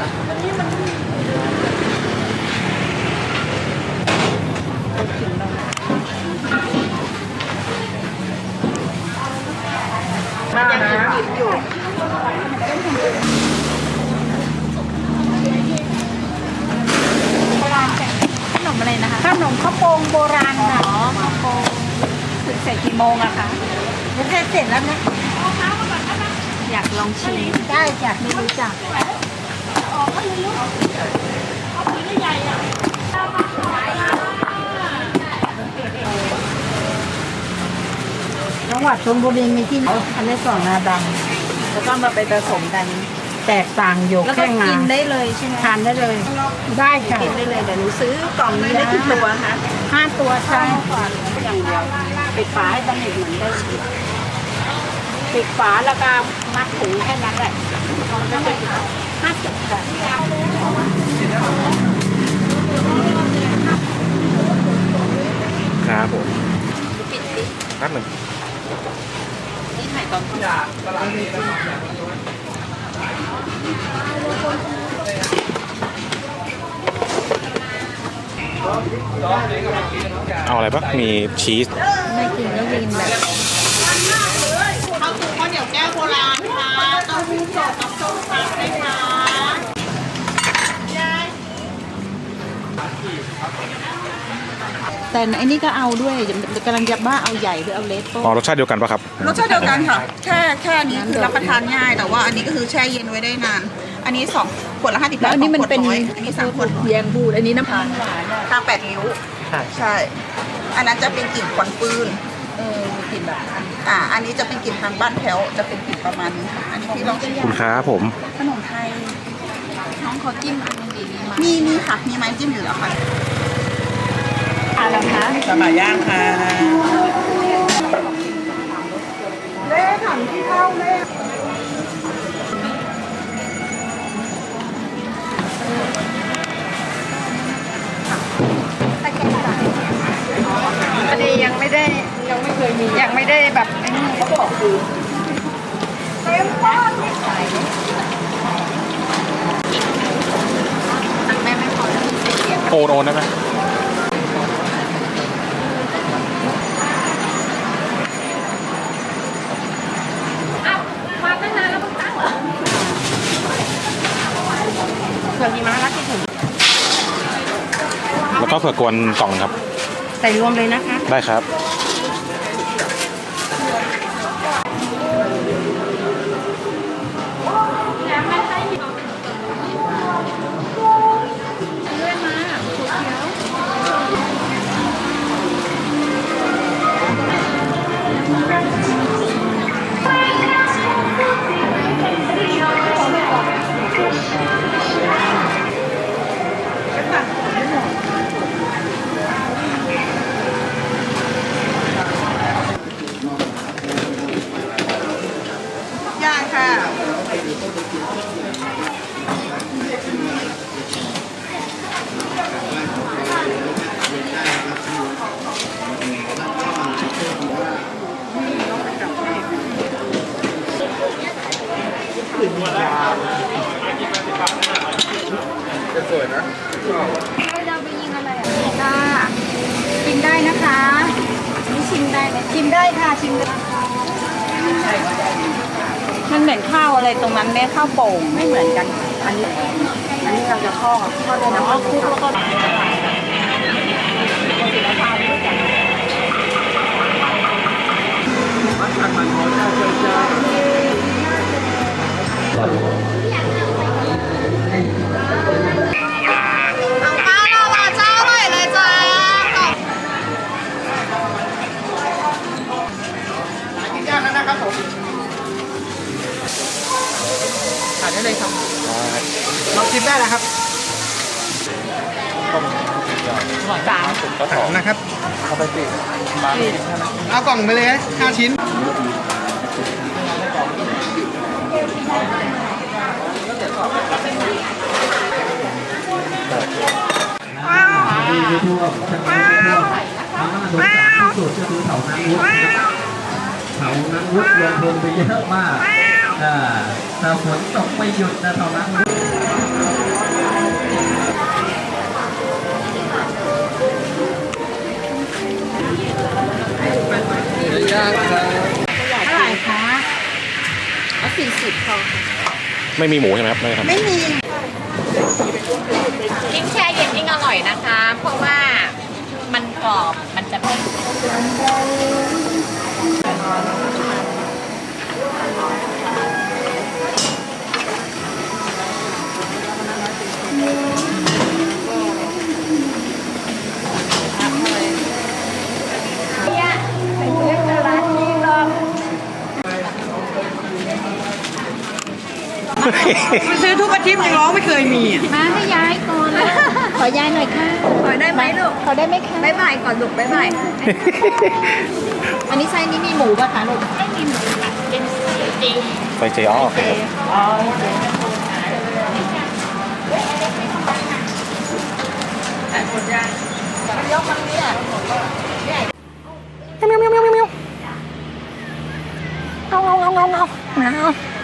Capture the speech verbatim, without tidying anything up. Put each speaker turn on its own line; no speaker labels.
มันยังหยิบอยู่โบราณแต่ขนมอะไรนะคะขนมข้าวโป่งโบราณค่ะอ๋อข้าวโป่งถึงเสร็จกี่โมงอะคะเสร็จเสร็จแล้วนะอยากลองชิมได้จ้ะไม่รู้จักจังหวัดชลบุรีมีที่อันนี้สองงาดำแล้วก็มาไปผสมกันแตกต่างอยู่แค่งากินได้เลยใช่ไหมทานได้เลยได้ค่ะกินได้เลยเดี๋ยวหนูซื้อกล่องนี้ได้กี่ตัวคะห้าตัวใช่อย่างเดียวปิดฝาให้สนิทเหมือนเดิมปิดฝาแล้วก็มัดถุงแค่นั้นแหละจะเป็นห้าสิบค่ะ
ครับผม
ปิดดิ
แป๊บหนึ่ง
นี่ถ่ายตอนที่
เอาอะไรปะมีชีส
ไม่กินก็กินแบบข้าวตุ๋นข้าวเหนียวแก้วโบราณค่ะเต้าหู้สดกับส้มตำเลยค่ะแต่อันนี้ก็เอาด้วยกำลังจะบ้าเอาใหญ่หรือเอาเล็ก
อ๋อรสชาติเดียวกันปะครับ
รสชาติเดียวกันค่ะแค่แค่นี้คือรับประทานง่ายแต่ว่าอันนี้ก็คือแช่เย็นไว้ได้นานอันนี้สองขวดละห้าสิบ
แล้วอันนี้มันเป็น
อันนี้สามขวด
แยงบูดอันนี้น้ำตาลหวาน
ทางแปดริ้วใช่อันนั้นจะเป็นกลิ่นควันปืน
เออกลิ่นแบบ
อ่าอันนี้จะเป็นกลิ่นทางบ้านแถวจะเป็นกลิ่นประมาณนี้ค่ะอันนี้พี่ลองชิม
คุณครับผม
ขนมไทย
น้องเขาจิ้มอันนึงดี
มีมีค่ะมีไม้จิ้มอยู่แล้วค่ะ
อะไรคะ
สบายย่างค่ะเล่ถังที่เข้าเล่
อันนี้ยังไม่ได้ยังไม่เคยมียังไม่ได้แบบไอ้นี่เขาบอกคือเต็มบ้านไม่ใส่ตังแม่ไม่พอแล้วเสีย
โอนโอนได้ไหม
มาตั้งนานแล้วเพิ่งตั้งเหรอเผือกหิมะรักที่ถึง
แล้วก็เผือกกวนกล่องครับ
ใส่รวมเลยนะคะ
ได้ครับ
ย่างค่ะ
จะสวยนะ
เราไปยิงอะไรอ่ะค่ะชิมได้นะคะนี่ชิมได้ไหมชิมได้ค่ะชิมได้มันเหมือนข้าวอะไรตรงนั้นเนี่ยข้าวโป่งไม่เหมือนกันอันนี้อันนี้เราจะทอดทอดในน้ำมันคลุกแล้วก็
ถ่ายได้เลยครับลองชิมได้นะครับ
สาม
สามนะครับเอาไปสิเอากล่องไปเลยห้าชิ้นว้าวว้าวว้าวสุดก็คือเถานังวุฒิเถานังวุฒิลงทุนไปเยอะมากแต่ฝนตกไม่หยุดนะเถานังวุฒิย่างครับ
เท่าไหร่คะเอาสี่สิบพอ
ไม่มีหมูใช่ไหมครับไม่ได้ทำ
ไม่มี
ยิ่งแช่เย็นยิ่งอร่อยนะคะ เพราะว่ามันกรอบมันจะไม่
ซื้อทุกอาทิตย์ยังร้องไม่เคยมีอ่ะ
มาให้ย้ายก่อนขอยายหน่อยค่ะ
ขอได้ไหมลูก
ขอได้ไหมคะ
บ๊ายบายก่อนลูกบ๊ายบาย
อันนี้ไส้นี้มีหมูป่ะคะลูกไม่มีหมูค่ะเป็นไส้จริง
ไปเจอ๋อโอเคครับ
อ๋อ
เอาเอาเอาเอาเอาเอาเอา